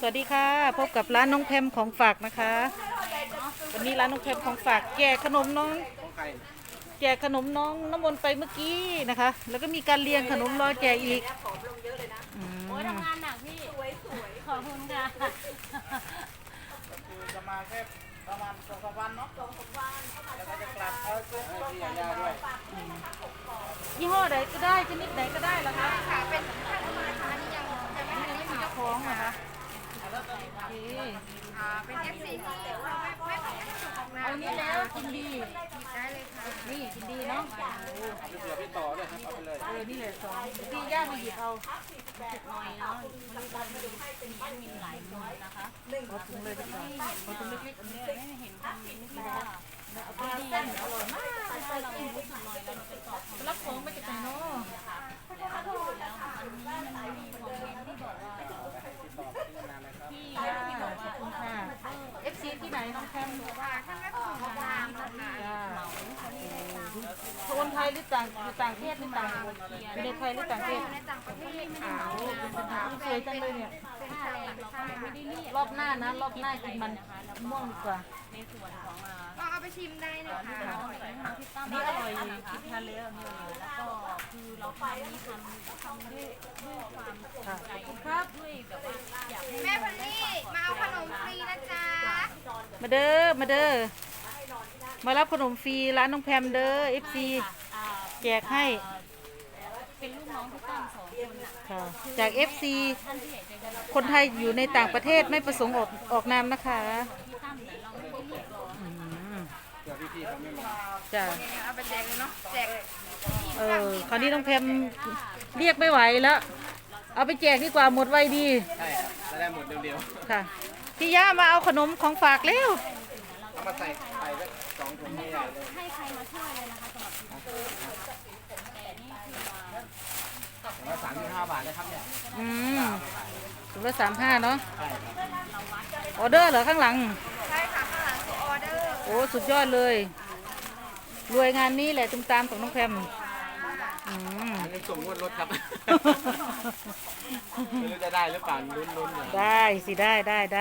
วัสดีค่ะพบกับร้านน้องแพมของฝากนะคะวันนี้ร้านน้องแพมของฝากแจกขนมน้องแจกขนมน้องน้ำมนต์ไปเมื่อกี้นะคะ แล้วก็มีการเรียงขนมรอแจกอีกโอ้ยทำงานหนักพี่ขอบคุณค่ะจะมาแค่ประมาณ2-3 วันเนาะ2-3 วันแล้วก็จะกลับซื้อที่ยาด้วยยี่ห้อใดก็ได้ชนิดไหนก็ได้เหรอคะค่ะเป็นข้าวมาทานยังไม่มีเจ้าของเหรอคะเป็น FC ที่เราไม่ขอให้ส่งของเอานี้แล้วกินดีได้เลยค่ะนี่กินดีเนาะเดี๋ยวพี่ต่อเลยครับเอาไปเลยนี่เลยสองพี่ย่ามาหยิบเอาหน่อยเนาะมีหลายมือนะคะขอถุงเลยดีกว่าขอถุงเล็กๆอันนี้ไม่เห็นคอมเมนต์ที่ว่าเอาไปดีอร่อยมากเราไม่รู้สึกหน่อยเราไปตอบรับของไปจากไหนเนาะแล้วอันนี้มันมีคอมเมนต์ที่บอกว่าพี่ขอบคุณค่ะ FC ที่ไหนน้องแคมว่าถ้าไม่ส่งของมาคนไทยหรือต่างประเทศหรือต่างอยู่ในไทยหรือต่างประเทศในต่างประเทศสวยจังเลยเนี่ยรอบหน้านะรอบหน้ากินมันม่วงดีกว่าในส่วนของก็เอาไปชิมได้นะคะนี่อร่อยกินทานแล้วนี่แล้วก็คือเราทำนี่ทำด้วยความใจครับด้วยแบบว่าอยากแม่พันนี่มาเอาขนมฟรีนะจ๊ะมาเด้อมารับขนมฟรีร้านน้องแพมเด้อ FC แจกให้เป็นลูกน้องพี่ตั้ม2 คนค่ะจาก FC คนไทยอยู่ในต่างประเทศไม่ประสงค์ออกนามนะคะพี่ตั้มแต่เราไม่ได้เรียกหรอกเดี๋ยวพี่เขาไม่มาจ้ะเอาไปแจกเลยเนาะแจกคราวนี้น้องแพมเรียกไม่ไหวแล้วเอาไปแจกดีกว่าหมดไวดีใช่ครับจะได้หมดเร็วๆค่ะพี่ย่ามาเอาขนมของฝากเร็วเอามาใส่สัก2 ถุงนี่เลยให้ใครมาช่วยเลยนะคะสำหรับแต่นี่คือว่า35 บาทนะครับเนี่ยถุงละ35เนาะใช่ครับออเดอร์เหรอข้างหลังใช่ค่ะข้างหลังคือออเดอร์โอ้สุดยอดเลยรวยงานนี้แหละตุ้มตามของน้องแพมยังส่งงวดรถครับไม่รู้จะได้หรือเปล่าลุ้นๆได้สิได้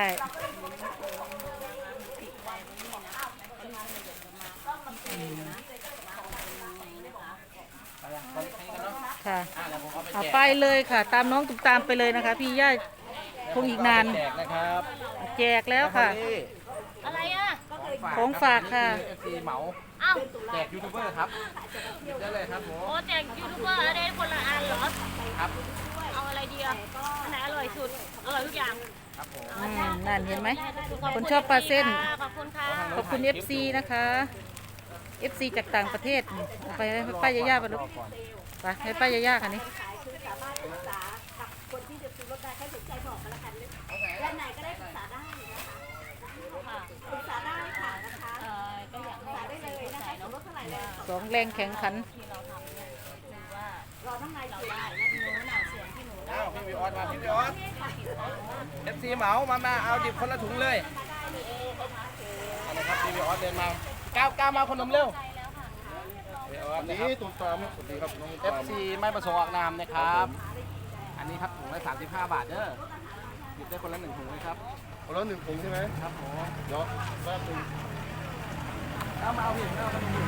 ค่ะเอาไปเลยค่ะตามน้องตุ้มตามไปเลยนะคะพี่ย่าคงอีกนานแจกนะครับแจกแล้วค่ะอะไรอ่ะของฝากค่ะเหมาแจกยูทูบเบอร์ครับหยิบได้เลยครับผมโอ้แจกยูทูบเบอร์อะไรคนละอันเหรอครับเอาอะไรดีอ่ะอันไหนอร่อยสุดอร่อยทุกอย่างครับผมนั่นเห็นไหมคนชอบปลาเส้นขอบคุณค่ะขอบคุณ FC นะคะ FC จากต่างประเทศไปให้ป้ายาๆไปลูกไปให้ป้ายาๆค่ะนี่คนที่จะซื้อรถได้แค่สนใจบอกกันละกันด้านไหนก็ได้ปรึกษาได้นะคะปรึกษาได้ค่ะนะคะก็อยากปรึกษาได้เลยนะคะรถเท่าไหร่แล้ว 2 แรงแข่งขันที่เราทำเนี่ยคือว่ารอทั้งในเราได้นะหนูน่ะส่วนที่หนูได้พี่วิออสมาพี่วิออส FC เหมามาเอาดิบคนละถุงเลยอะไรครับพี่วิออสเดินมาก้าวมาคนนมเร็วอันนี้ตุ้มตามสวัสดีครับน้อง FC ไม่ประสงค์ออกนามนะครับอันนี้ครับถุงละ35 บาทเด้อหยิบได้คนละ1 ถุงเลยครับคนละ1 ถุงใช่ไหมครับผมเดี๋ยวแป๊บนึงเอามาเอาผิดเอามาผิด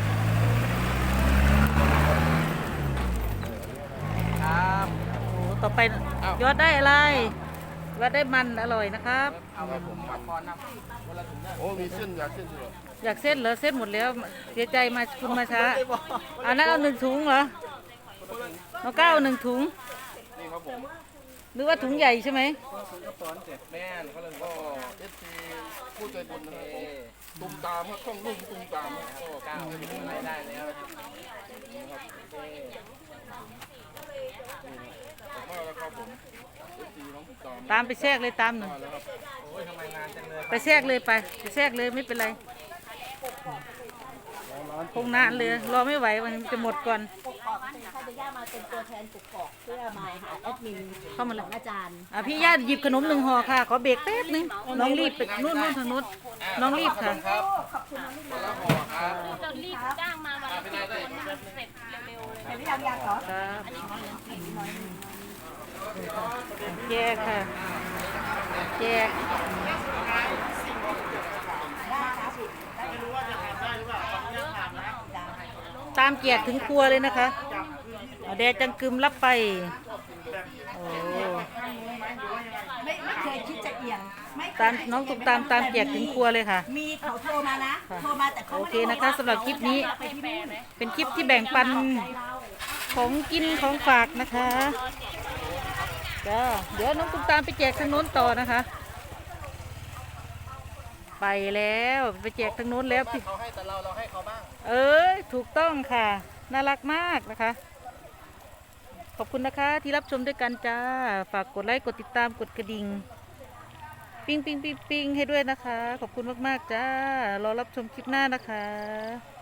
ครับโอ้ต่อไปยอดได้อะไรยอดได้มันอร่อยนะครับเอาไปผมมาพรนำคนละถุงโอ้มีเส้นอยากเส้นด้วยอยากเส้นเหรอเส้นหมดแล้วเสียใจมาคุณมาช้าอันนั้นเอา1 ถุงเหรอน้องก้าว1 ถุงนี่ครับผมหรือว่าถุงใหญ่ใช่ไหมถุงกระป๋องเจ็ดแม่นเขาเลยก็เอฟซีผู้ใจบุญนะครับตุ้มตามครับต้องรุ่งตุ้มตามก็ก้าวให้เป็นรายได้แล้วนะครับครับผมตามไปแทรกเลยตามหนึ่งไปแทรกเลยไปแทรกเลยไม่เป็นไรคงนานเลยรอไม่ไหวมันจะหมดก่อนถ้าจะย่ามาเป็นตัวแทนปกกอกเพื่อมาหาแอดมินเข้ามาเลยอาจารย์พี่ย่าหยิบขนม1 ห่อค่ะขอเบรกแป๊บนึงน้องรีบไปนู่นทางนู้นน้องรีบค่ะจะรีบจ้างมาวันละ10 คนเสร็จเร็วๆเลยพี่ยังเหรอแย่ค่ะแจกตามแจกถึงครัวเลยนะคะแดดจังกึมรับไปโอ้ไม่เคยคิดจะเอียงไม่เคยตามน้องตุกตามแจกถึงครัวเลยค่ะมีเขาโทรมานะโทรมาแต่เขาโอไม่เคได้นะคะสำหรับคลิปนี้ไปที่นู่นเป็นคลิปที่แบ่งปันของกินของฝากนะคะจ้าเดี๋ยวน้องตุกตามไปแจกทางโน้นต่อนะคะ ไปแล้วไปแจกทางโน้นแล้วพี่เขาให้แต่เราให้เขาบ้างเอ้ยถูกต้องค่ะน่ารักมากนะคะ ขอบคุณนะคะที่รับชมด้วยกันจ้าฝากกดไลค์กดติดตามกดกระดิ่งปิ้งให้ด้วยนะคะ ขอบคุณมากๆจ้ารอรับชมคลิปหน้านะคะ